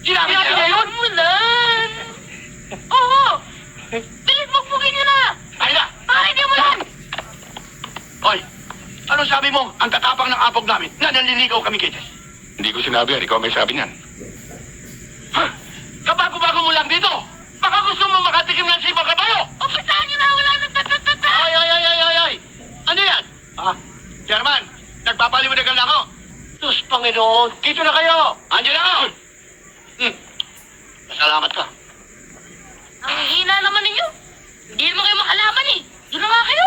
Sinabi niya yun? Mulan! Oo! Bilis magbugin niyo na! Ay na! Pare, di mo yan! Hoy, ano sabi mo? Ang tatapang ng apog namin na nanliligaw kami kay Tess. Hindi ko sinabi yan. Ikaw may sabi niyan. Ha? Kabago-bago mo lang dito! Baka gusto mo makatikim ng sibang kabayo! O, pasahan niyo na! Wala nang tatatata! Ay! Ano yan? Ah, Chairman, nagpapaliwanagan lang ako. Diyos Panginoon, dito na kayo! Andiyan na ako! Masalamat ka. Ang hina naman ninyo. Hindi naman kayo makalaman eh. Doon na nga kayo.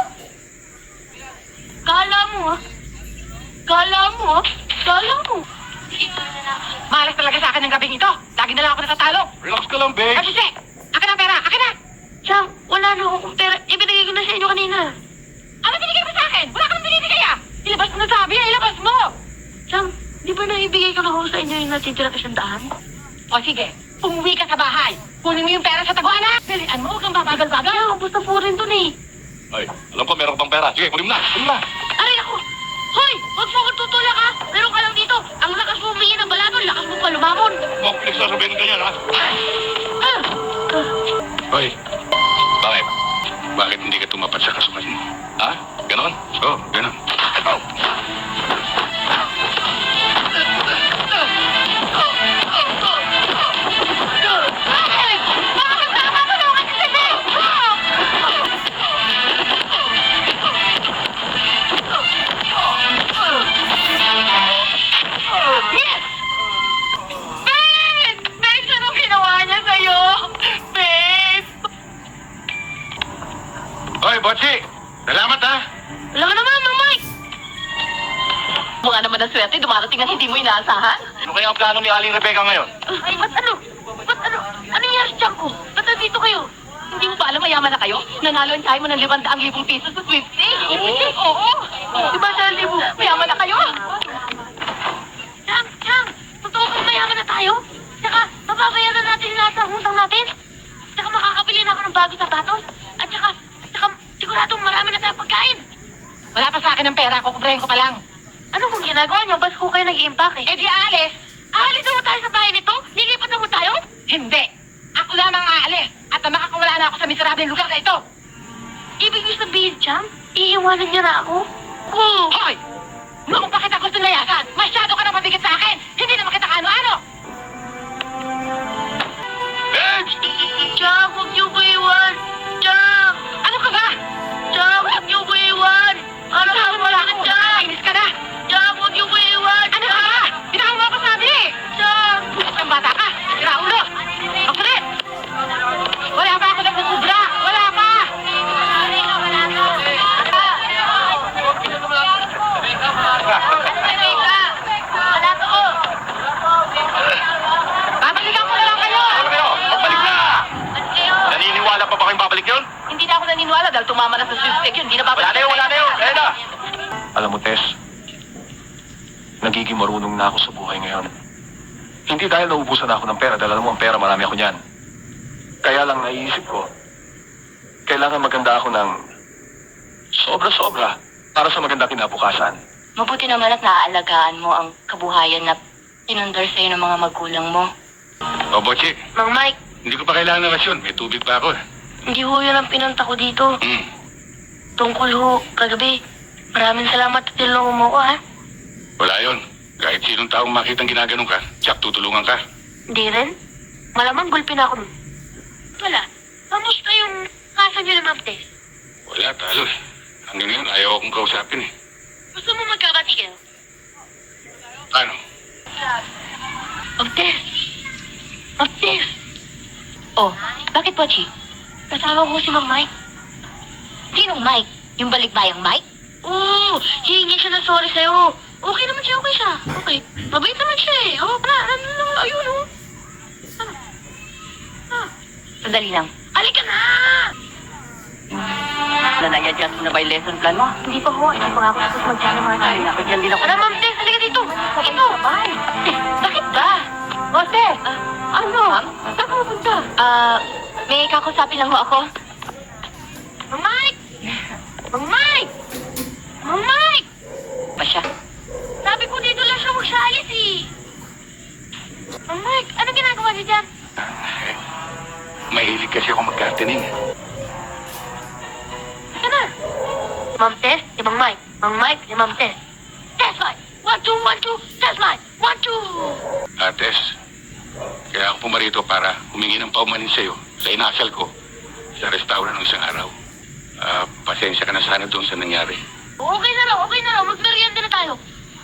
Kala mo ah. Kala mo ah. Kala mo. Malas talaga sa akin ng gabing ito. Lagi na lang ako natatalo. Relax ka lang, babe. Kasi, akin ang pera, akin na! Chang, wala na akong pera. Ibinigay ko na sa inyo kanina. Ano binigay mo sa akin? Wala ka nang binibigay ah! Ilabas mo na sabi, ilabas mo! Chang, di ba naibigay ko na ako sa inyo yung natitira ka siyang O sige, umuwi ka sa bahay. Kunin mo yung pera sa taguana. Bilian mo, huwag kang babagal-bagal. Chang, basta po rin dun eh. Ay, alam ko meron pang pera. Sige, kunin mo na. Kunin mo na. Aray ako! Hoy! Huwag mo akong tutulak ha! Meron ka lang dito! Ang lakas mo humingi ng balaton, lakas mo pa lumamon! Huwag pinagsasabihin ka niyan, ha? Ah! Hoy, bakit? Bakit hindi ka tumapat sa kasukan mo? Ha? Ganon? Oo, ganon. Oh. Bakit? Bakit tama mo na kasi kasi? Yes! Babe! Babe, anong ginawa niya sa'yo? Babe! Hoy, Botsi! Salamat, ha? Wala ka naman, Mang Mike! Mukha naman ang swerte, dumarating at hindi mo inaasahan. Ano kaya ang plano ni Aling Rebecca ngayon? Ay, ba't ano? Ba't ano? Ano nangyari sa tiyan ko? Ba't nandito kayo? Hindi mo ba alam mayaman na kayo? Nanalo ang tayo mo ng 500,000 pisos sa sweepstakes. Oo. Di ba sa libo? Mayaman na kayo. Chang! Totoo kang mayaman na tayo? Tsaka, mababayaran natin lahat ng utang natin? Tsaka makakabili na ako ng bagong sapatos? At tsaka siguradong marami na tayong pagkain. Wala pa sa akin ng pera, kukubrahin ko pa lang. Ano kung ginagawa niyo? Bas ko kayo nag-i-impake. Eh di aalis. Aalis na mo tayo sa bahay nito? Lilipat na mo tayo? Hindi. Ako lamang aalis. At makakawala na ako sa miserableng lugar na ito. Ibig niyo sabihin, Chang? Iiwanan niya na ako? Oo! Hoy! Noong pa kita gusto layasan, masyado ka na mabigat sa akin. Hindi naman kita kaano-ano. Babes! Chang, huwag niyo ko iwan! Chang! Ano ka ba? Chang, huwag niyo ko iwan! Ano ka Sabi mo wala lang ka, ako. Chang? Kainis ka na. Chang, huwag niyo ko iwan! Ano ka ba? Binawa mo ako sabi. Chang! Ang bata ka. Sira ulo. Magsulit. Wala pa ako nagsusubra. Wala pa. Wala to! Babalikan ko na lang kayo. Ano kayo? Pagbalik na! Ano kayo? Naniniwala pa ba kayong babalik yun? Hindi na ako naniniwala dahil tumama na sa sweepstake yun. Hindi na babalik. Wala na yun! Kaya na! Alam mo, Tess, nagiging marunong na ako sa buhay ngayon. Hindi dahil naubusan ako ng pera, dahil alam mo ang pera, marami ako niyan. Kaya lang naiisip ko, kailangan maganda ako ng sobra-sobra para sa maganda kinabukasan. Mabuti naman at naaalagaan mo ang kabuhayan na pinundar sa'yo ng mga magulang mo. O, Botsi, Mang Mike, hindi ko pa kailangan ng rasyon. May tubig pa ako. hindi ho yun ang pinunta ko dito. Tungkol ho, kagabi. Maraming salamat at tinulungan mo ko, ha? Wala yun. Kahit sinong taong makitang ginaganon ka, tsak tutulungan ka. Hindi rin. Malamang gulpin ako nun. Wala. Kamusta yung kasa niyo ni Ma'am Tess? Wala, talo eh. Hanggang ngayon, ayaw akong kausapin eh. Gusto mo magkabati kayo? Ano? Ma'am Tess! Ma'am Tess! Oh, bakit po, Chi? Kasama ko si Mang Mike. Sinong Mike? Yung balikbayang Mike? Oo, hihingi siya ng sorry sa'yo. Okay naman siya, okay siya. Okay. Mabait naman siya eh. Oh, ayun oh. Sandali lang. Halika na! Nanay-adjust mo na ba yung lesson plan mo? Hindi pa ho. Hindi pa nga ako tapos mag-channel mga tayo. Ako dyan din ako. Ano, Ma'am Tess? Halika dito. Ito. Bakit ba? Jose! Ano? Saan ka mapunta? May kakusapin lang ho ako. Mang Mike! Mang Mike! Mang Mike! Pa siya? Sabi ko dito lang siya magsalis eh. Mang Mike, ano ginagawa niyo dyan? Mahilig kasi ako mag-gardening. Ito na. Ma'am Tess, si Mang Mike. Mang Mike, si Ma'am Tess. Test Mike! 1, 2, 1, 2. Test Mike! 1, 2. Ates, kaya ako pumarito para humingi ng paumanin sa'yo sa inasal ko sa restaurant ng isang araw. Pasensya ka na sana doon sa nangyari. Okay na raw. Magmerienda na tayo.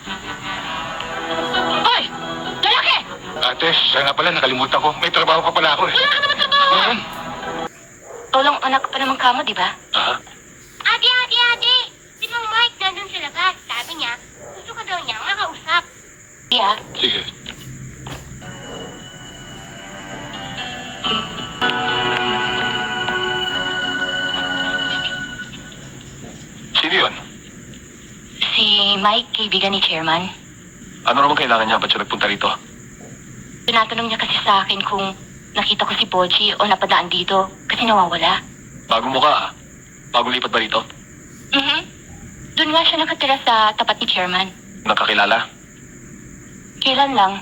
Hoy! Lalaki! Ates, siya nga pala, nakalimutan ko. May trabaho pa pala ako eh. Wala ka naman trabaho! Tolong anak pa naman kamo, di ba? Ah, Ate! Si Mang Mike nandun sa labas. Sabi niya, gusto ka daw niya makausap. Yeah. sige. Sino yun? Si Mike, kaibigan ni Chairman. Ano naman kailangan niya? Ba't siya nagpunta rito? Tinatanong niya kasi sa akin kung nakita ko si Bochi o napadaan dito kasi nawawala. Bago mo ka ah. Bago lipat ba rito? Doon nga siya nakatira sa tapat ni Chairman. Nakakilala? Kailan lang?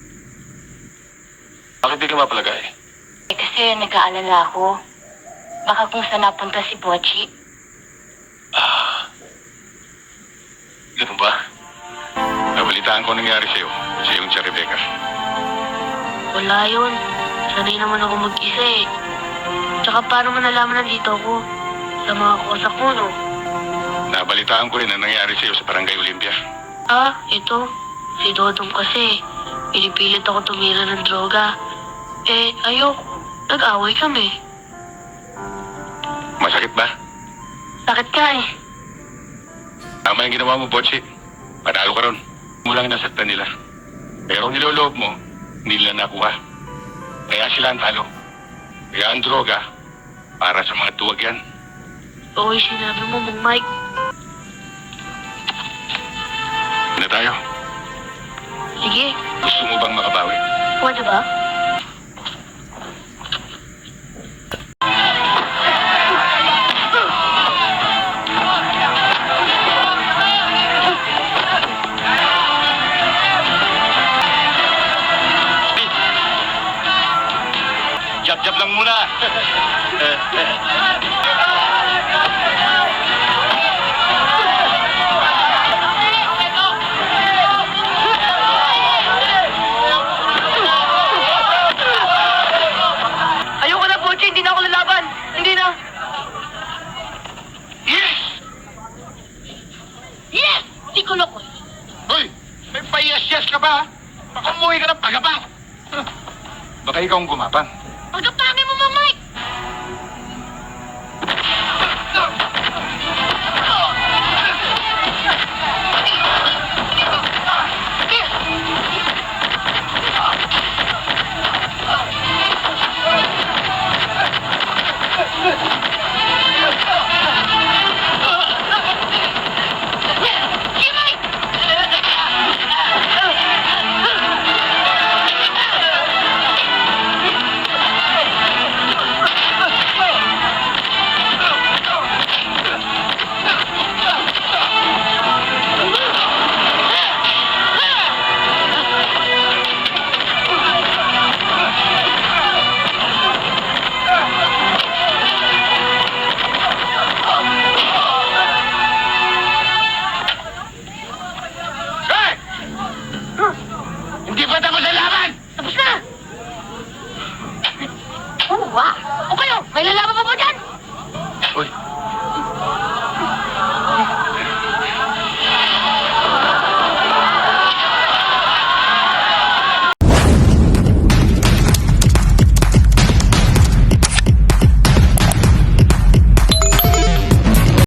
Bakit di ka mapalagay? Kasi nag-aalala ako. Baka kung saan napunta si Bochi. Ganun ba? Nabalitaan ko nangyari sa'yo. Sa iyong si Rebecca. Wala yun. Sanay naman ako mag-isa eh. Tsaka paano mo nalaman nandito ako? Sa mga kosa ko, no? Nabalitaan ko rin ang nangyari sa'yo sa Barangay Olympia. Ito. Si Dodong kasi. Pinipilit ako tumira ng droga. Ayoko. Nag-away kami. Masakit ba? Sakit ka eh. Tama yung ginawa mo, Botsi. Panalo ka ron. Mulang nasaktan nila. Pero ang niloloob mo, hindi nila nakuha. Kaya sila ang talo. Kaya ang droga, para sa mga tuwag yan. Oo, sinabi mo, Mang Mike. Na tayo. Sige. Gusto mo bang makabawi? Pwede ba? Jab-jab lang muna. Ayoko na, Bochi. Hindi na ako lalaban. Hindi na. Yes! Yes! Di ko loko. Hoy! May payas-yes ka ba? Baka umuwi ka ng pagabang. Baka ikaw ang gumapang. Pagkapangit